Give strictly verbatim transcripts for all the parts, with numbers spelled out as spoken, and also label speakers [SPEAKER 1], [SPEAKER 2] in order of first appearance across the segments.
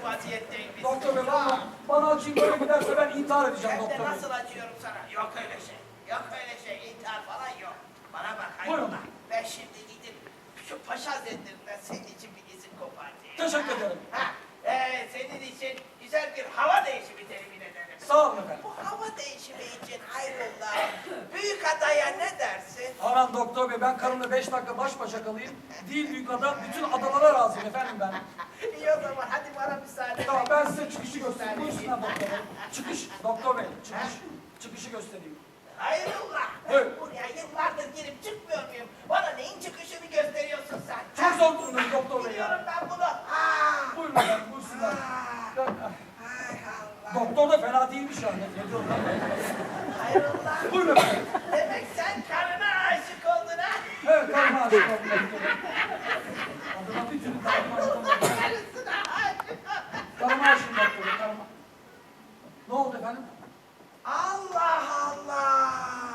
[SPEAKER 1] vaziyetteyim.
[SPEAKER 2] Doktor bey valla bana açayım böyle giderse ben intihar edeceğim
[SPEAKER 1] Ben
[SPEAKER 2] doktor
[SPEAKER 1] de
[SPEAKER 2] bey.
[SPEAKER 1] nasıl acıyorum sana? Yok öyle şey. Yok öyle şey. İntihar falan yok. Bana bak
[SPEAKER 2] Buyurun.
[SPEAKER 1] hayrola. Ben şimdi gidip şu Paşa Hazretlerinden senin için bir izin kopartayım.
[SPEAKER 2] Teşekkür ederim.
[SPEAKER 1] Ha, ee, senin için güzel bir hava değişimi temin ederim.
[SPEAKER 2] Sağ olun efendim.
[SPEAKER 1] Bu hava değişimi için hayrola. Büyük adaya ne dersin?
[SPEAKER 2] Aman doktor bey ben karımla beş dakika baş başa kalayım. Değil büyük ada bütün adalara razıyım efendim ben.
[SPEAKER 1] İyi o zaman hadi bana müsaade.
[SPEAKER 2] Tamam ben size çıkışı göstereyim. Buyursunlar doktor bey. Çıkış doktor bey çıkış. Çıkışı göstereyim.
[SPEAKER 1] Hayrola.
[SPEAKER 2] Buyur.
[SPEAKER 1] Buraya yıllardır girip çıkmıyor muyum? Bana neyin çıkışını gösteriyorsun sen?
[SPEAKER 2] Çok
[SPEAKER 1] Ha?
[SPEAKER 2] zor durumdayım doktor bey
[SPEAKER 1] Biliyorum
[SPEAKER 2] ya.
[SPEAKER 1] ben bunu. Aa!
[SPEAKER 2] Buyurun efendim buyursunlar.
[SPEAKER 1] Aa!
[SPEAKER 2] Ben-
[SPEAKER 1] Hay Allah.
[SPEAKER 2] Doktor da fena değilmiş yani. Ne diyorum ben?
[SPEAKER 1] Hayrola.
[SPEAKER 2] Buyurun efendim.
[SPEAKER 1] Demek sen karına aşık oldun ha?
[SPEAKER 2] Evet karıma aşık oldum doktor bey. Adına bir türlü karıma aşık oldum.
[SPEAKER 1] Karısına aşık.
[SPEAKER 2] Karıma aşık doktor bey karıma. Ne oldu efendim?
[SPEAKER 1] Allah Allah.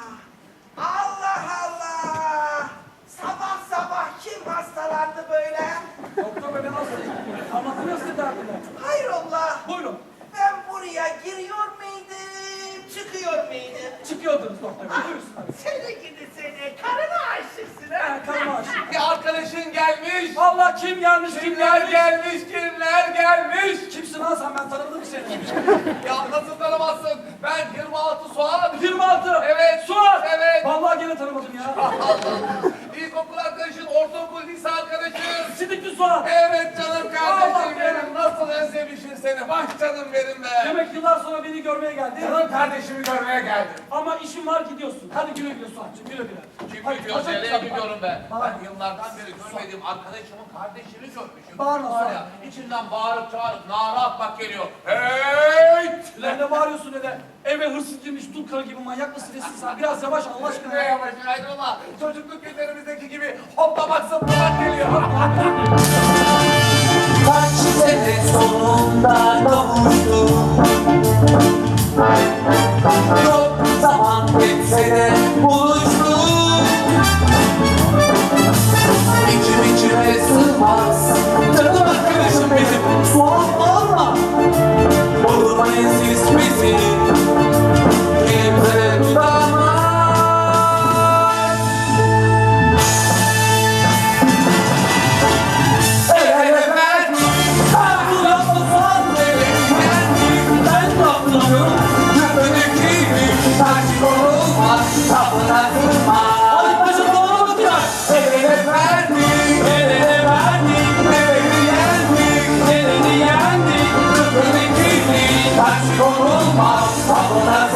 [SPEAKER 1] Allah Allah. Sabah sabah kim hastalandı böyle?
[SPEAKER 2] Doktor bey ben hastayım. Anlatıyor size derdini.
[SPEAKER 1] Hayrola.
[SPEAKER 2] Buyurun.
[SPEAKER 1] Ben buraya giriyor muydum, çıkıyor muydum?
[SPEAKER 2] Çıkıyordunuz doktor bey. Buyursunlar.
[SPEAKER 1] Seni gidi seni, karına aşıksın ha?
[SPEAKER 2] Ben karıma aşık.
[SPEAKER 3] Bir arkadaşın gelmiş.
[SPEAKER 2] Allah kim gelmiş kim
[SPEAKER 3] Kimler
[SPEAKER 2] gelmiş?
[SPEAKER 3] gelmiş, kimler gelmiş.
[SPEAKER 2] Kimsin lan sen ben tanımadım seni.
[SPEAKER 3] Ya nasıl tanımazsın? Ben yirmi altı Suat.
[SPEAKER 2] yirmi altı.
[SPEAKER 3] Evet.
[SPEAKER 2] Suat.
[SPEAKER 3] Evet.
[SPEAKER 2] Vallahi gene tanımadım ya.
[SPEAKER 3] İlkokul arkadaşın, ortaokul, lise arkadaşın.
[SPEAKER 2] Sidikli Suat.
[SPEAKER 3] Evet canım
[SPEAKER 2] Allah
[SPEAKER 3] kardeşim
[SPEAKER 2] benim.
[SPEAKER 3] benim. Nasıl özlemişim seni. Bak canım benim be.
[SPEAKER 2] Demek yıllar sonra beni görmeye geldin.
[SPEAKER 3] Canım kardeşimi görmeye geldim.
[SPEAKER 2] Ama işin var gidiyorsun. Hadi güle güle Suat'cığım güle güle.
[SPEAKER 3] Kim
[SPEAKER 2] Hadi,
[SPEAKER 3] gidiyor?
[SPEAKER 2] hadi,
[SPEAKER 3] Nereye
[SPEAKER 2] hadi.
[SPEAKER 3] gidiyorum ben?
[SPEAKER 2] Bana-
[SPEAKER 3] Ben yıllardan beri görmediğim arkadaşımın kardeşini görmüşüm.
[SPEAKER 2] Bağırma,
[SPEAKER 3] Var ya,
[SPEAKER 2] bağırma.
[SPEAKER 3] içinden bağırıp çağırıp nara atmak geliyor. Hey!
[SPEAKER 2] Lan ne bağırıyorsun öyle? Eve hırsız girmiş dul karı gibi manyak mısın nesin sen? Biraz yavaş Allah aşkına.
[SPEAKER 3] Ne yavaş ayrılma. Çocukluk günlerimizdeki gibi hoplamak zıplamak geliyor.
[SPEAKER 4] Kaç sene sonunda kavuştum. Çok zaman geçse de buluştuk. İçim içime sığmaz. Canım arkadaşım benim. Sual olma. Olmayın siz bizim. Kimse tutamaz. El ele verdik. Ben yapmasam ben topluyorum. Köpünüküydü. Taş korulmaz. Kapına kırmaz. Hadi başa doğru bakacak. El ele verdik. El ele verdik. Elini yendik. Elini yendik. Köpünüküydü. Taş korulmaz. Kapına